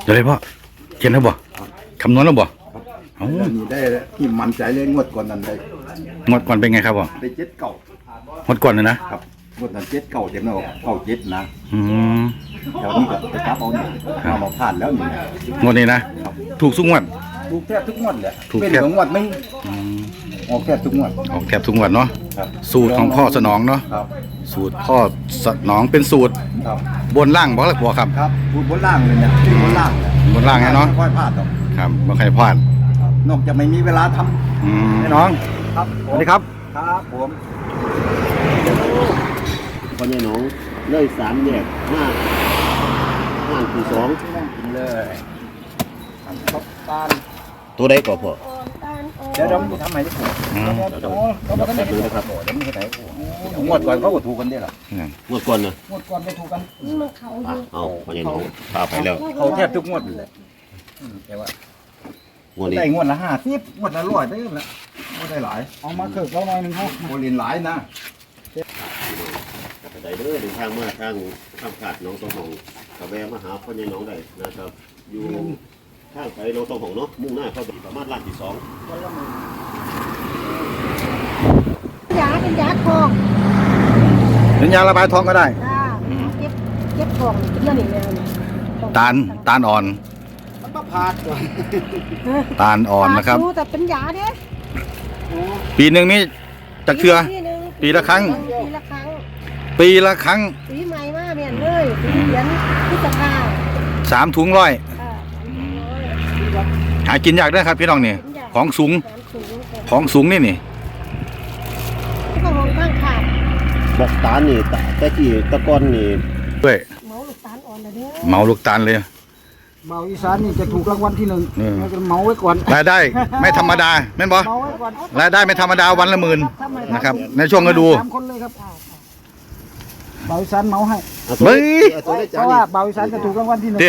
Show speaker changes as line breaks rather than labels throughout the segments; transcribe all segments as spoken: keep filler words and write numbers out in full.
เดี๋ยวเลยพ่อเขียนแล้วบ่คำนวณแล้วบ่เอ้า
นี่ได้ที่มั่นใจเลยงวดก่อนนั้นได้
งวดก่อนเป็นไงครับบ่
ได้เจ็ดเก่าง
วดก่อนเลยนะครับ
งวดนั้นเจ็ดเก่าเจ็ดเนาะเก่าเจ็ดนะ
อืม
แถวนี้ก็ไปกลับเอาเนี่ยเอามาผ่านแล้วนี่
งวดนี้นะถูกสุกงวด
ถูกแทบทุกงวดแหละ
ถูก
เป็น
แทบ
ของงวดไม่
อืม
ออกแทบทุกงวด
ออกแทบทุกงวดเนาะ
ครับ
สูตรของพ่อสนองเนาะ
ครับ
สูตรพ่อสนองเป็นสูตร
ครับ
บนล่างบ่ล่ะบ่ครับ
ครับพูดบนล่างเลยเนี่ยที่บนล่างเนี่ย
บนล่างไงเนาะ
ไม่ค่อยพลาดหรอก
ครับบ่ใครพลาด
ครับนอกจากไม่มีเวลาทำ
อืมน้อง
ครับ
สวัสดีครับ
ครับผม
พ่อใหญ่หนองเลยสามแยกห้าห้างที่สอง
นั่งกินเลยทำข้าวตาล
ตัวใดก่อนพ่อ
เดี๋ยวเราจะทำไมที่ผม
อืม
เดี๋ยวเราไม่ได้ดูนะครับเดี๋ยวมันจะไหนผมงวดก่อนเขาก็ถูกกันได้หรอ
งวดก่อนนะ
งวดก่อนไม่ถูกกัน
อ่ะเอาพ่อใหญ่หนองพาไปแล้ว
เขาแทบทุกงวดเลยแต่ว่าง
วดนี้
ได้งวดละห้าสิบงวดละร้อยได้ละงวดได้หลายเอามาเคิร์กเราหน่อยหนึงเขาโมลินหลายนะ
กระไดเด้อเดินทางมาทางข้ามขาดหน้องสองหองกระแวะมาหาพ่อใหญ่หนองได้นะครับ อยู่ทางไปหน้องสองหองเนาะมุ่งหน้าเข้าไปประมาณล้านที่สอง
ยาเป็นยาทอง
เป็นยาระบายท้องก็ได้
จ้าเก็บเก็บทองเป็นเรื่องนี้แล้วเนี่ย
ตาลตาลอ่อน
มันก็พาดก่อน
ตาลอ่อนนะครับ
แต่เป็นยาเด้
ปีหนึ่งนี่จักเทือ ปีละครั้ง
ปีละครั้ง
ปีละครั้ง
ปีใหม่มาเมียนเลยปีเหรียญพฤษภา
สามถุงร้อย
อ่า
หากินยากด้วยครับพี่น้องนี่ของสูง
สามสูง
ของสูงนี่นี่
ก็มองข้างขาด
บอกตาลนี่ตะแต่ที่ตะกอนนี่
ด้วย
เมาลูกตาลอ่อนเลยเด้อ
เมาลูกตาลเลย
เบาอีสานนี่จะถูกรางวัลที่หนึ่ง
เออ
เราจะเมาไว้ก่อน
รายได้ไม่ธรรมดาแม่นบ่
เมาไว้ก่อน
รายได้ไม่ธรรมดาวันละหมื่นนะครับ ในช่วงฤดู
สามคนเลยครับเบาอีสานเมาให้
เอาตัว
เฮ้ย
เอาตัวได้
เพ
จาน
ราะ
นี่
ว่าเบาอีสานจะถูกรางวัลที่หนึ่ง
เด้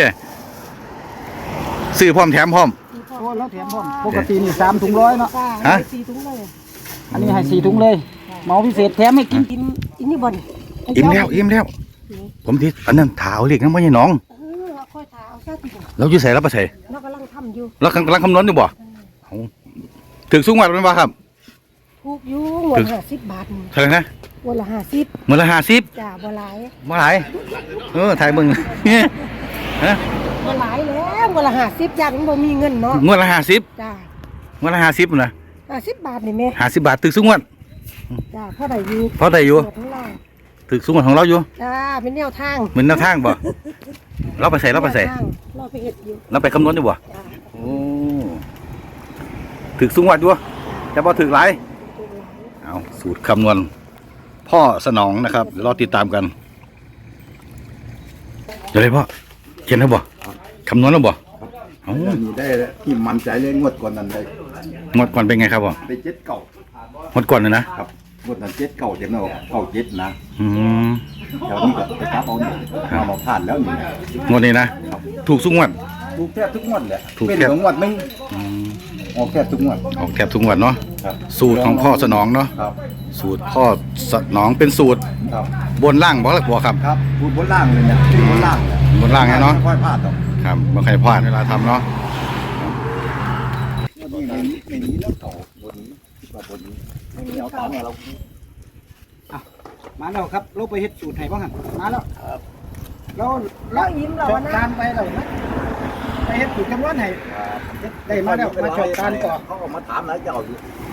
ซื้อพร้อมแถมพร้อม
โอ้แล้วแถมพร้อมปกตินี่สามถุงร้อยเนาะ
จ้า
ฮะ
สี่ถุงเลย
อันนี้ให้สี่ถุงเลยเมาพิเศษแถมให้กิน
กินอินนี่บ่น
อิ่มแล้วอิ่มแล้ว ผมที่อันนั้นถาวเรียกน้ำมันยังน้อง
เออเอาค่อยถาเอาแค่ติด
เราอยู่ใส่เราไปใส่
เรากำลังทำอยู่
เรากำลังคำนวณอยู่บ่เอาถึงสูงวัดเป็นบ่ครับ
ถูกอยู่งวดห้าสิบบาท
เท่าไหร่นะ
งวดละห้าสิบ
เมื่อละห้าสิบ
จ้าบ่หลาย
เมื่อไหร่เออถ่ายมึง ฮะ
บ่หลายแล้วงวดละห้าสิบอย่างบ่มีเงินเนาะ
งวดละห้าสิบ
จ้า
งวดละห้าสิบนะ
ห้าสิบบาทนี่แม่
ห้าสิบบาทถึงสูงวัด
จ้าเท่าไหร่อยู่
เพราะได้อยู่
หมดทั้งเรา
ถึงสูงวัดของเราอยู่
จ้าเป็นแนวทาง
เหมือนแนวทางบ่เราไปใส่เราไปใส่
แนวทางเราไปเฮ็ดอยู่
เราไปคำนวณอยู่บ่
จ้า
โอ้ถึกสูงวัดอยู่แต่พอถึกหลายเอาสูตรคำนวณพ่อสนองนะครับเดี๋ยวรอติดตามกันเดี๋ยวเลยพ่อเขียนแล้วบ่คำนวณแล้วบ่เอ้า
นี่ได้ที่มั่นใจเลยงวดก่อนนั้นได้
งวดก่อนเป็นไงครับบ่
ได้เจ็ดเก่าง
วดก่อนเลยนะครับ
งวดนั้นเจ็ดเก่าเจ็ดเนาะเก่าเจ็ดนะ
อืม
แถวนี้ก็ไปกลับเอาเนี่ยเอามาผ่านแล้วนี่
งวดนี้นะถูกสูงวัด
ถูกแทบทุกงวดแหละ
ถูก
เป็น
แทบ
ของงวดไม่
อืม
ออกแทบทุกงวด
ออกแทบทุกงวดเนาะ
ครับ
สูตรของพ่อสนองเนาะ
ครับ
สูตรพ่อสนองเป็นสูตร
ครับ
บนล่างบ่ล่ะบ่ครับ
ครับพูดบนล่างเลยเนี่ยที่บนล่างเนี่ย
บนล่างไงเนาะ
ไม่ค่อยพลาดหรอก
ครับบ่ใครพลาดเวลาทำเนาะ
นี่ไม่มีไม่มีแล้วเก่าบนนี้ว่าบนนี้ไม่มีเอาตามเรามาแล้วครับเราไปเฮ็ดสูตรไทยบ้างหันมาแล้วแล้ว
เรายิ้มเรา
ช
ว
อบ
นะ
การไปเรานะไปเฮ็ดสูตรคำนวณให้ได้มาแล้วมาชอบการต่อเขาก็มาถามหลายเจ้าอยู่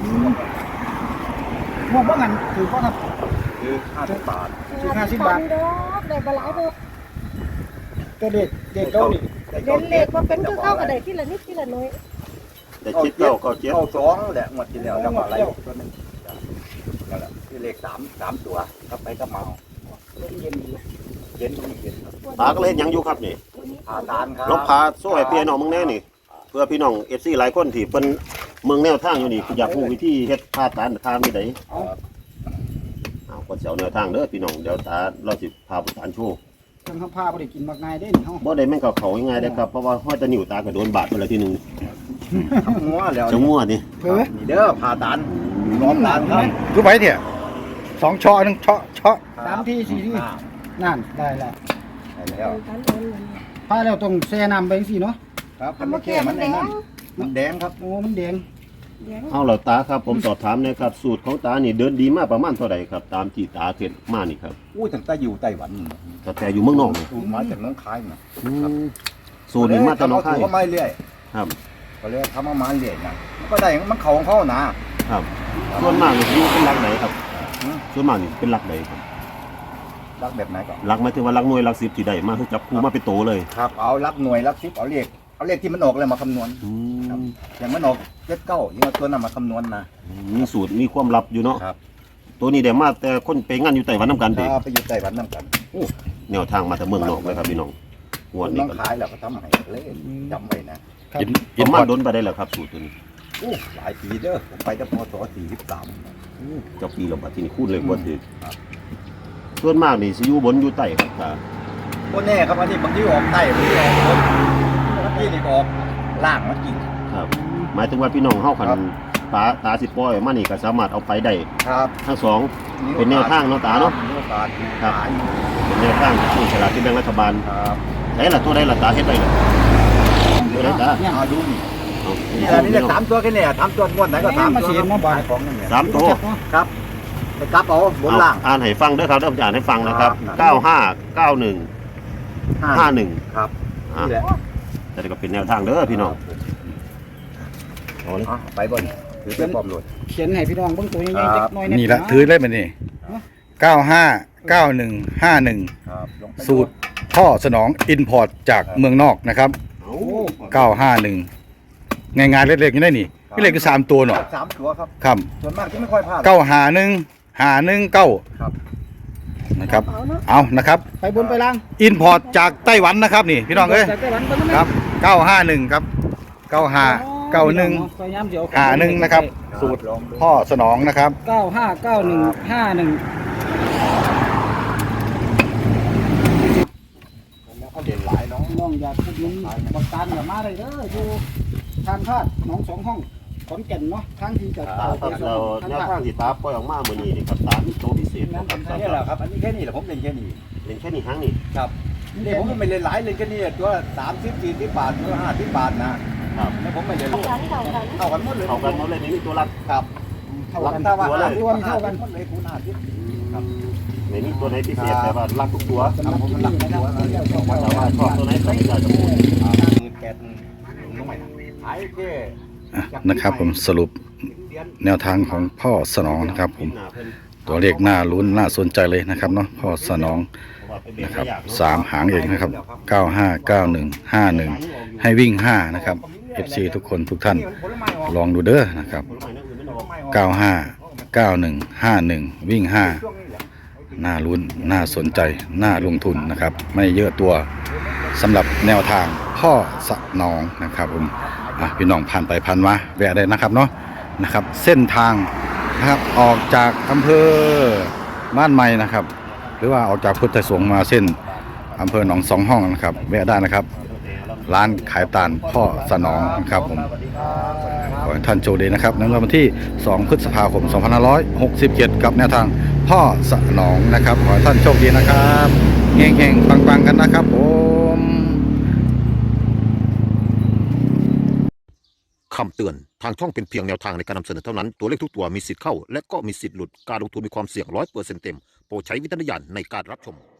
พวกบ้างหันถือก็ครับ
คือห้าสิบบาท
ถึงห้าสิบบาท
ดอกได้บ่หลายดอก
ตัวเด็กเด็กเก้านี่
เล่นเลขว่าเป็นคือเข้ากับได้ทีละนิดทีละน้อย
แต่เจ็ดเก้าเก้าเจ็ด
เก้าสองแหละงวดที่แล้วจังหวะอะไรตัวนึงนั่นแหละที่เลขสามสามตัวก็ไปก็เมาเย็นเย็นเย็นเย็น
ตาก็เลยเฮ็ดหยังอยู่ครับนี่
ผ่าตานครับ
ลบพาโซ่ให้พี่น้องมึงแน่นี่ เพื่อพี่น้องเอฟซีหลายคนที่เป็นเมืองแนวทางอยู่นี่อยากรู้วิธีเฮ็ดพาตานทางนี่ไดเอาก็สิเอาแนวทางเด้อพี่น้องเดี๋ยวตาเราสิพาไปทานโชว์
ทางข้างผ้าไม่ได้กินมากง่ายได้นี่เฮา
บ่ได้แม่งกับเขาง่ายๆเด้อครับเพราะว่าห้อยตะนิ้วตาก็โดนบาดไปแล้วทีหนึง
หัวแล้ว
จะงัวนี่
เฮ้ยนี่เด้อผ่าตานล้อมตานครับ
รู้ไหมเนี่ยสองช่อหนึ่งช่อช่อ
สามทีสี่ทีนั่นได้แล้วได้แล้ว
การโอนเงิน
คพาแล้วต้องแช่น้ำไปสิเนาะ
ครับ
ทำมาแก่มันแดง
มันแดงครับ
โอ้มันแดง
แดง
เอาเหล่าตาครับผมสอบถามหนะครับสูตรของตานี่เดินดีมากประมาณเท่าไหร่ครับตามที่ตาเห็นมานี่ครับ
อู้ตั้งแต่อยู่ไต้หวัน
แต่แต่อยู่เมืองนอกนี่
สูตรมาจากน้องคายนะ
สูตรนี้มาจากน้องค่าย
ทำเสูตรเข้ามาเรื่อย
ครับ
ก็เลยทำมามาเรื่อยนะมันก็ได้มันเขาของเขานะครับ
ส่วนมากนี่อยู่เป็นหลักไหนครับส่วนมากนี่เป็นหลักไหนครับ
รักแบบไหนก่อน
หลักหมายถึงว่าหลักหน่วยหลักสิบที่ได้มาคือจับคู่มาเป็นโตเลย
ครับเอารักหน่วยรักสิบเอาเลขเอาเลขที่มันออกเลยมาคำนวณ
อืม
อย่างมันออกเจ็ดเก้ายังเอาตัวนั้นมาคำนวณนะ
มีสูตรมีความลับอยู่เนาะ
ครับ
ตัวนี้ได้มาแต่คนไปงานอยู่ไต้หวันนํกันเด้
ถ้าไปอยู่ไต้หวันนั่งกัน
แนวทางมาแต่เมืองนอกเลยครับพี่น้องงวด
น้
นี้
อง
ก็
ขายแล้วก็ทำให้เลยจำไว้นะ
อิน
ป
อิน
ระ
พ
มา
อ
ณ
ร์ต
โดนไปได้แล้วครับสูตรตัวนี้
โอ้หลายปีเด้อผมไปจะพศสี่สิบสาม
เจ้าปีเราบัดที่นี่คูณเลยบ่ถือส่วนมากนี่สิอยู่บนอยู่ใต้ครับตา
โอ้แน่ครับอันนี้บางทีออกใต้บางทีออกบนบางทีนี่ก็ออกล่างมากิน
ครับหมายถึงว่าพี่น้องเฮาคัน
ครับ
ตาตาสิปล่อยมานี่ก็สามารถเอาไปได้
ครับ
ทั้งสอง เป็นแนวทางเนาะตาเนาะ
มีโอกาส
ครับ
ขาย
เป็นแนวทางที่ฉลากที่แบ่งรัฐบาล
ครับ
ไหนล่ะตัวใดล่ะตาเฮ็ดได้ล่ะตัวใดตา
เนี่ยมาดูนี่
เอา
นี่แหละนี่แหละสามตัวแค่เนี่ยสามตัวงวดไหนก็สาม
มา
ตัว
เสียนมาบา
ขาย ของนั่นเนี่ย
สามตัว
ครับไปกลับเอาบนล่าง
เอาอ่านให้ฟังเด้อครับเดี๋ยวผมจะอ่านให้ฟังนะครับ
ครับ
เก้าห้า เก้าหนึ่ง ห้าหนึ่ง
ครับ
อ่ะ
นี่แหละ
แต่ก็เป็นแนวทางเด้อพี่น้องเอาเลย
อ่ะไปบนถือเป็นปลอมโหลด
เขียนให้พี่น้องเบิ่งตัวใหญ่ๆ
ค
จั
รับ
กหน่อย
นี่ละถือได้ไหมนี่เก้าห้าเก้าหนึ่งห้าหนึ่ง
ครับลงไป
สูตรพ่อสนองอินพอร์ตจากเมืองนอกนะครับ
เอา
เก้าห้าหนึ่งง่ายๆเล็กๆอยู่ได้นี่พี่เล็กก็สามตัวเนาะ
สามตัวครับ
ครับ
ส่วนมากที่ไม่ค่อยพลาด
เก้าหาหนึ่งหาหนึ่งเก้า
ครับ
นะครับ
เอาเนาะ
เอานะครับ
ไปบนไปล่าง
อินพอร์ตจากไต้หวันนะครับนี่พี่น้องเอ้ย
จากไต้หวันเบิ่ง
ครับเก้าห้าหนึ่งครับเก้าห้าเก้าหนึ่ง
พยายามเดี๋ยว
หาหนึ่งนะครับ สูตร
ลองดู
พ่อสนองนะครับ
เก้าห้าเก้าหนึ่งห้าหนึ่ง
แล้วเขาเด่นหลายเนาะ
น้องอยากพูดนี้บักตาลอย่ามาเลยเด้ออยู่ทางคาดหนองสองห้องขอนแก่นเนาะทางที่จะ
อ่า
เต่า
ครับเราแนวทางที่ตาปล่อยออกมามื้อนี้นี่ครับตามีโตพิเศษครับครับ
นี่แหละครับอันนี้แค่นี้แหละผมเล่นแค่นี้
เล่นแค่นี้ครั้งนี้
ครับนี่ผมไม่เล่นหลายเล่นแค่นี้ตัวสามสิบสี่สิบบาทตัวห้าสิบบาทนะครับ แล้วผมไม่เล่น
เท่ากันเท่ากัน
เท่ากันหมดเลย
เอากันหมดเลยนี่มีตัวรัก
ครับ
เท่ากัน
ถ้าว่า
ตัวเลย
ตัวนี้เท่ากัน
หมดเลยคูณห้าสิบครับ
ไม่มีตัวไหนพิเศษแต่ว่ารักทุกตัว
ครับผมมันหลักตัวนะ
แต่ว่าชอบตัวไหนก็ไม่ได้จะพูด
แกนน้อยนะขายแค่
อ่ะนะครับผมสรุปแนวทางของพ่อสนองนะครับผมตัวเลขน่าลุ้นน่าสนใจเลยนะครับเนาะพ่อสนองนะครับสามหางเองนะครับเก้าห้าเก้าหนึ่งห้าหนึ่งให้วิ่งห้านะครับ เอฟ ซี ทุกคนทุกท่านลองดูเด้อนะครับเก้าห้าเก้าหนึ่งห้าหนึ่งวิ่งห้าน่าลุ้นน่าสนใจน่าลงทุนนะครับ ไม่เยอะตัวสำหรับแนวทางพ่อสนองนะครับผมอ่ะพี่น้องผ่านไปผ่านมาแวะได้นะครับเนาะนะครับ เส้นทางนะครับออกจากอำเภอบ้านใหม่นะครับ หรือว่าออกจากพุทธสงฆ์มาเส้นอำเภอหนองสองห้องนะครับแวะได้นะครับ ร้านขายตาลพ่อสนองนะครับผมขอให้ท่านโชคดีนะครับในวันที่สองพฤษภาคมสองพันห้าร้อยหกสิบเจ็ดกับแนวทางพ่อสนองนะครับขอให้ท่านโชคดีนะครับเฮงๆปังๆกันนะครับผม
คำเตือน ทางช่องเป็นเพียงแนวทางในการนำเสนอเท่านั้น ตัวเลขทุกตัวมีสิทธิ์เข้า และก็มีสิทธิ์หลุด การลงทุนมีความเสี่ยงร้อยเปอร์เซ็นต์เต็ม โปรดใช้วิจารณญาณในการรับชม